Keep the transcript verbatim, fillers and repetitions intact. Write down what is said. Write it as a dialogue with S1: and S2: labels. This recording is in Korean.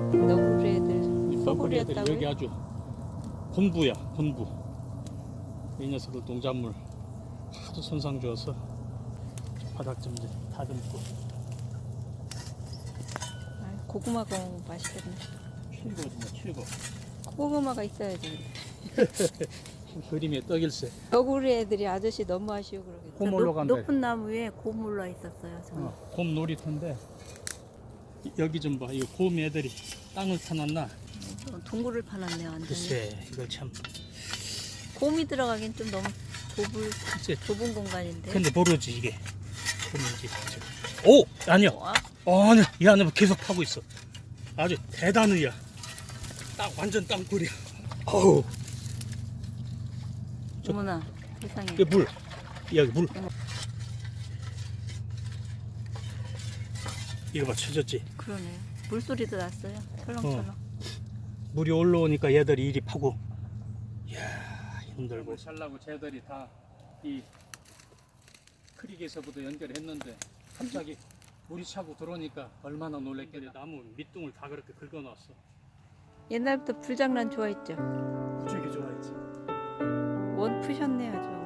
S1: 너구리 애들
S2: 이 너구리 애들이
S1: 쏘구리였다고요?
S2: 여기 아주 본부야, 본부. 이 녀석들 농작물 하도 손상 주어서 바닥 좀 이제 다듬고.
S1: 아, 고구마가 맛있겠네.
S2: 칠거지 뭐 칠거.
S1: 고구마가 있어야지.
S2: 그림의 떡일세.
S1: 너구리 애들이 아저씨 너무 아쉬워 그러겠다.
S2: 곰 올라간다.
S1: 높은 나무 위에 곰 올라 있었어요. 저는.
S2: 어, 곰 놀이터인데 이- 여기 좀 봐. 이거 곰 애들이 땅을 타놨나?
S1: 어, 동굴을 파놨네 완전히.
S2: 글쎄 이거 참.
S1: 곰이 들어가긴 좀 너무 좁을,
S2: 글쎄.
S1: 좁은 공간인데.
S2: 근데 모르지 이게 곰인지. 오 아니야.
S1: 와,
S2: 어, 아니야. 이 안에 계속 파고 있어. 아주 대단이야. 딱 완전 땅굴이야. 어우. 저-
S1: 어머나 세상에.
S2: 이게 물. 여기 물. 이거 봐, 쳐졌지.
S1: 그러네. 물소리도 났어요. 철렁철렁.
S2: 물이 올라오니까 얘들이 이리 파고. 이야, 힘들고. 살라고 쟤들이 다 이 크릭에서부터 연결했는데 갑자기 물이 차고 들어오니까 얼마나 놀랬길래 나무 밑둥을 다 그렇게 긁어놨어.
S1: 옛날부터 불장난 좋아했죠.
S2: 되게 좋아했지.
S1: 원 푸셨네 아주.